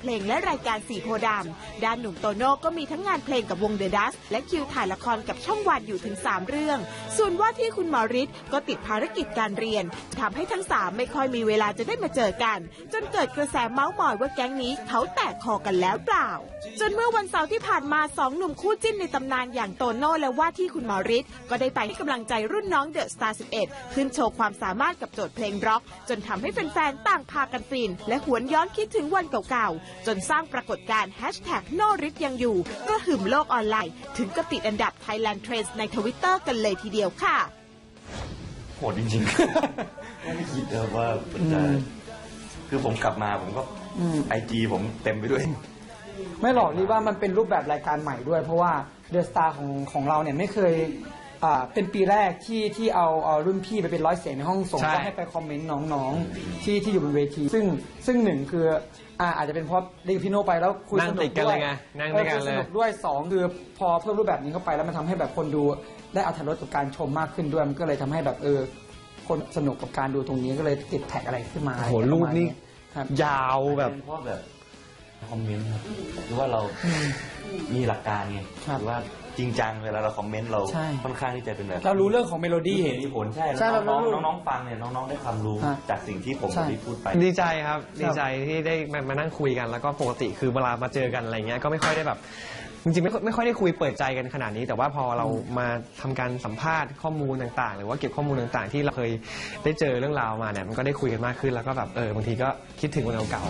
เพลงและรายการ4โพธิ์ดำด้านหนุ่มโตโน่ก็มีทั้งงานเพลงกับวงเดอะดัสและคิวถ่ายละครกับช่องวันอยู่ถึง3เรื่องส่วนว่าที่คุณหมอฤทธิ์ก็ติดภารกิจการเรียนทำให้ทั้ง3ไม่ค่อยมีเวลาจะได้มาเจอกันจนเกิดกระแสเมาส์มอยว่าแก๊งนี้เขาแตกคอกันแล้วเปล่าจนเมื่อวันเสาร์ที่ผ่านมา2หนุ่มคู่จิ้นในตำนานอย่างโตโน่และว่าที่คุณหมอฤทธิ์ก็ได้ไปให้กำลังใจรุ่นน้องเดอะสตาร์11ขึ้นโชว์ความสามารถกับโจทย์เพลงร็อกจนทำให้แฟนๆต่างพากันฟินและหวนย้อนคิดถึงวันเก่าๆจนสร้างปรากฏการณ์#โน่ฤทธิ์ยังอยู่ก็หึมโลกออนไลน์ถึงกับติดอันดับ Thailand Trends ใน Twitter กันเลยทีเดียวค่ะโหดจริงๆไม่คิดเลยว่าจะคือผมกลับมาผมก็IG ผมเต็มไปด้วยไม่หรอกนี่ว่ามันเป็นรูปแบบรายการใหม่ด้วยเพราะว่าเดอะสตาร์ของเราเนี่ยไม่เคยเป็นปีแรกที่เอารุ่นพี่ไปเป็นร้อยเสียงในห้องส่งก็ให้ไปคอมเมนต์น้องๆที่อยู่บนเวทีซึ่งหนึ่งคืออาจจะเป็นเพราะได้พี่โน่ไปแล้วคุยสนุกด้วยสนุกด้วย2คือพอเพิ่มรูปแบบนี้เข้าไปแล้วมันทำให้แบบคนดูได้อรรถรสกับการชมมากขึ้นด้วยมันก็เลยทำให้แบบคนสนุกกับการดูตรงนี้ก็เลยติดแท็กอะไรขึ้นมาโหรูปนี้ยาวแบบเพราะแบบคอมเมนต์ครับหรือว่าเรามีหลักการไงหรือว่าจริงจังเวลาเราคอมเมนต์เราค่อนข้างที่จะเป็นแบบเรารู้เรื่องของเมโลดี้มีผลใช่แล้วน้องฟังเนี่ยน้องได้ความรู้จากสิ่งที่ผมได้พูดไปดีใจครับดีใจที่ได้มานั่งคุยกันแล้วก็ปกติคือเวลามาเจอกันอะไรเงี้ยก็ไม่ค่อยได้แบบจริงๆไม่ค่อยได้คุยเปิดใจกันขนาดนี้แต่ว่าพอเรามาทำการสัมภาษณ์ข้อมูลต่างๆหรือว่าเก็บข้อมูลต่างๆที่เราเคยได้เจอเรื่องราวมาเนี่ยมันก็ได้คุยกันมากขึ้นแล้วก็แบบบางทีก็คิดถึงวันเก่า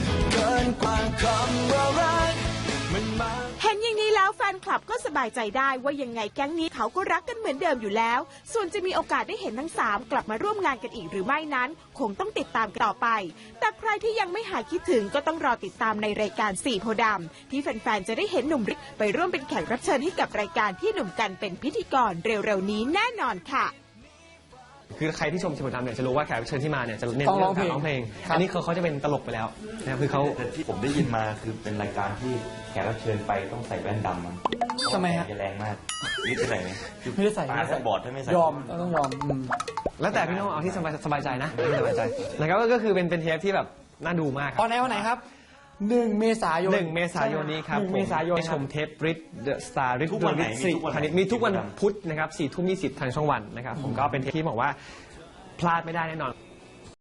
เห็นอย่างนี้แล้วแฟนคลับก็สบายใจได้ว่ายังไงแก๊งนี้เขาก็รักกันเหมือนเดิมอยู่แล้วส่วนจะมีโอกาสได้เห็นทั้ง3กลับมาร่วมงานกันอีกหรือไม่นั้นคงต้องติดตามกันต่อไปแต่ใครที่ยังไม่หายคิดถึงก็ต้องรอติดตามในรายการ4โพธิ์ดำที่แฟนๆจะได้เห็นหนุ่มฤทธิ์ไปร่วมเป็นแขกรับเชิญให้กับรายการที่หนุ่มกันเป็นพิธีกรเร็วๆนี้แน่นอนค่ะคือใครที่ชม4โพธิ์ดำเนี่ยจะรู้ว่าแขกรับเชิญที่มาเนี่ยจะเน้นเรื่องการร้องเพลงอันนี้เขาจะเป็นตลกไปแล้วนะครับคือเขาที่ผมได้ยินมาคือเป็นรายการที่แขกรับเชิญไปต้องใส่แว่นดำมั้งทำไมฮะจะแรงมากนี่จะใส่ไหมไม่ได้ใส่ตาบอดถ้าไม่ใส่ยอมต้องยอมแล้วแต่พี่น้องเอาที่สบายใจนะสบายใจนะครับก็คือเป็นเทปที่แบบน่าดูมากตอนไหนครับ1 เมษายนนี้ครับ1 เมษายนชมเทปริทเดอะสตาร์ริททุกวันมีทุกวันพุธนะครับ 4:20 ทางช่องวันนะครับผมก็เป็นเทปที่บอกว่าพลาดไม่ได้แน่นอน